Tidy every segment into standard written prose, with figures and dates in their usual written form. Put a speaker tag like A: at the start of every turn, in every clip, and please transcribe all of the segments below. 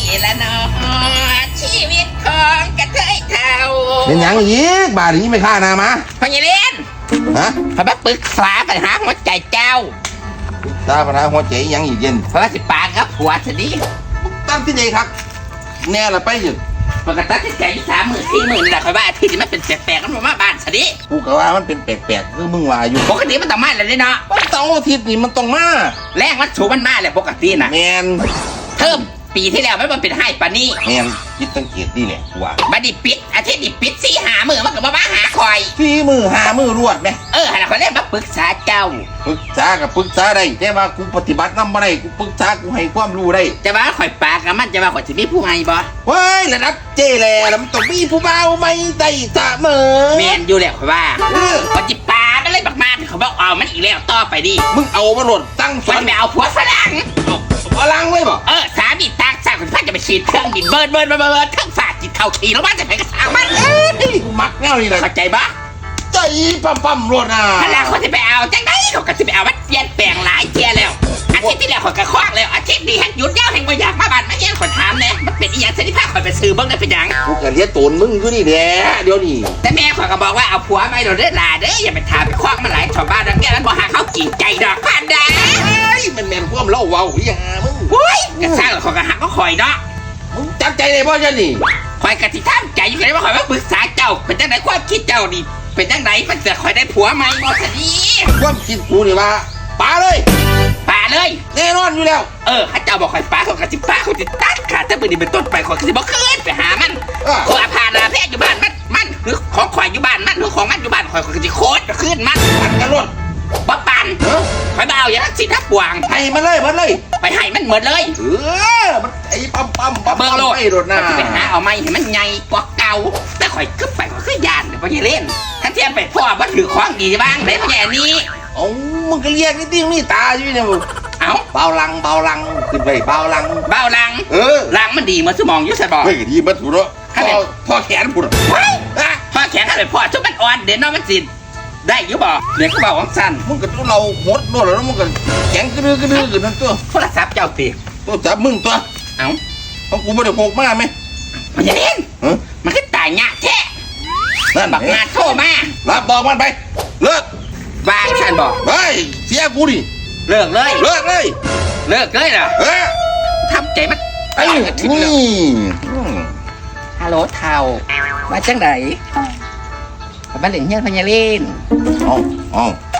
A: ละเนาะชีวิตของกระเทยเท่า
B: เป็นหยังอีกบาดนี้ไม่ฆ่านามา
A: พ่อใหญ่เล่น
B: ฮะ
A: เขามาปรึกษาปัญหาหัวใจเจ้า
B: ตาปัญหาหัวใจหยังอีกเย็น
A: เพราะว่าสิปากับผัวสิดิ
B: ตั้งที่ไหนครับแน่ละไปหยุด
A: ปกติที่ใจ30,000 40,000นี่แหละคอยว่าอาทิตย์นี้มันเป็นแปลกๆกันมาบ้านสิดิ
B: กูก็ว่ามันเป็นแปลกๆคือมึงว่าอยู่
A: ปกติมันต้องมาเลยเนาะ
B: วันเสาร์อาทิตย์นี่มันต้องมา
A: แรงมันสูงมันมาเลยปกติน่ะ
B: แมน
A: เพิ่มปีที่แล้วมันเป็นให้ปานี่
B: แมนคิดตั้งเกียรตินี่แหละกูว่า
A: บัดนี้ปิดอาทิตย์นี้ปิด4-5 มื้อมันก็มาหาคอย
B: ที่มือหามือรวดไหม
A: หันคอยเล่นมาปรึกษาเจ้า
B: ปรึกษากับปรึกษาได้แต่ว่ากูปฏิบัติน้ำมาได้กูปรึกษากูให้ความรู้ได้
A: จะว่าข่อยปากกับมันจะว่าข่อยสิมีผู้ให้บ่
B: เว้ยระดับเจแลแล้วมันต้องมีผู้เบาไม่ได้เสมอ
A: แม่นอยู่แล้วข่อยว่า
B: เออ
A: ข่อยจิปาไปเลยบักมาเขาบอกเอามันอีกแล้วต่อไปดิ
B: มึงเอามาโหลดตั้งส
A: ข่
B: อ
A: อน ยไม่เอาผัวฝรั่ง
B: เอาลังไว้บ่
A: สามีตากสาวคนพันจะไปฉีดเครื่องบินเบิร์นทั้งฝาดจิตเข่าทีแล้วมันจะไปกระทางมัน
B: กูมักแนวนี้แหละ
A: เข้าใจบ่
B: ใจปั๊มๆรวดอ่ะ
A: พลังเขาจะไปเอาจังไดเขาก็จะไปเอามันเปลี่ยนแปลงหลายเทียแล้วอาทิตย์ที่แล้วข่อยกระคว้างแล้วอาทิตย์นี้แฮงหยุดยาวแฮงบ่อยากมาบ้านมาเฮียนข่อยถามแน่มันเป็นอีหยังเสนิภาพข่อยไปซื้อเบิ่งได้เป็นหยัง
B: กูก็เลี้ยงโตนมึงอยู่นี่แหละเดี๋ยวนี้
A: แต่แม่ข่อยก็บอกว่าเอาผัวไม่โดนเด้อหลาเด้ออย่าไปถามไปคว้างมาหลายชาวบ้านดังแก่นั้นบ่หาเขาจีบใจดอกพันดา
B: เฮ้ยมันแม่นความเล่าเว้าอย่ามึง
A: โอ้ยกระซ่าข่อยก็หักก็ข่อยเนาะ
B: มึงจับใจได้บ่ยันนี่
A: ข่อยกะสิถามใจอยู่เลยว่าข่อยมาปรึกษาเจ้าเป็นจังไดความคิดเจ้านี่เป็นจังไดมันจะข่อยได้ผัวใหม่บ่ซะนี่
B: ความคิดกูนี่ว่าปาเลย
A: ป่าเลย
B: แน่นอนอยู่แล้ว
A: ถ้าเจ้าบอกข่อยป่าเขากะสิป่าเขาสิตัดขาดถ้ามื้อนี้เป็นต้นไปข่อยก็สิบ่คืนไปหามันข่อยพานาแพทย์อยู่บ้านมันหรือของข่อยอยู่บ้านมันหรือของมันอยู่บ้านข่อยก็สิโคตรคืนมัน
B: ปัดกันรวด
A: บ่ปัน
B: เออ
A: ข่อยบ่เอาอย่างนั้นสิทับปวง
B: ให้มันเลยมันเลย
A: ไปให้มันหมดเลย
B: มันไอ้ปั๊ม
A: เบิ่งโลด
B: ไอ้รถหน้า
A: ข่อยสิไปหาเอาไม้ให้มันใหญ่กว่าเก่าแต่ข่อยขึ้นไปข่อยคือย่านเดี๋ยวบ่ได้เล่นถ้าเทียบไปพ่อบ่ถือของดีบ้างได้พ่อใหญ่นี้
B: โอ้มึงก็เรียกนี่ติ้งนี่ตาอยู่เนี่ยมึง
A: เอ้า
B: เบาลังขึ้นไปเบาลัง
A: เบ้าลัง
B: เออ
A: ลังมันดีเหมือนสมองอยุสบอก
B: เฮ้ยดีมันถูกแล้วพ่อแขนพูด
A: พ่อแข็งอะไรพ่อชุบมันอ่อนเดี๋ยวน้องมันสิได้อยุบอกเดี๋ยวเขาบอกว่าสั้น
B: มึงก็เราหดโน่นแล้วมึงก็แข็งกระดือกระดือนั่นตัว
A: โทรศัพท์เจ้าตี
B: ตัวจับมึงตัว
A: เอ้า
B: ของกูไม่ได้พกมาไหม
A: มันจะเล่น
B: ฮะ
A: มันคือตายยะแท้
B: นั่น
A: บักงานโทรมา
B: รับบอกมันไปเลิก
A: วางฉันบอก
B: เฮ้ยเสียกูดิ
A: เลิกเลย
B: เลิกเลย
A: เลิกเลยเหรอ
B: เออ
A: ทำใจมัน
B: ไอ้
A: ถึงเลย
B: นี่
A: ฮัลโหลเท่ามาจังไหนมาเล่นเฮียนพญาเล่น
B: เอา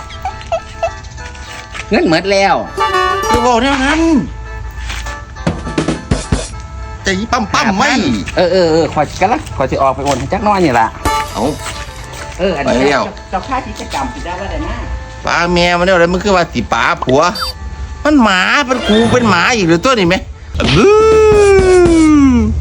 A: เงินหมดแล้ว
B: จะบอกแนวนั้นใจปั๊มไหม
A: ขอยกันละขอยจะออกไปโอนให้จักน้อยนี่ล่ะ
B: เอา
A: อันนี้
B: ไปแล้ว
A: เจ้าค่ากิจกรรมผิดได้ว่าได้นะ
B: ปลาแม่มันเนี่ยอะไรมันคือว่าติป๋าผัว มันหมาเป็นกูเป็นหมาอีกหรือตัวนี่ไหมบู๊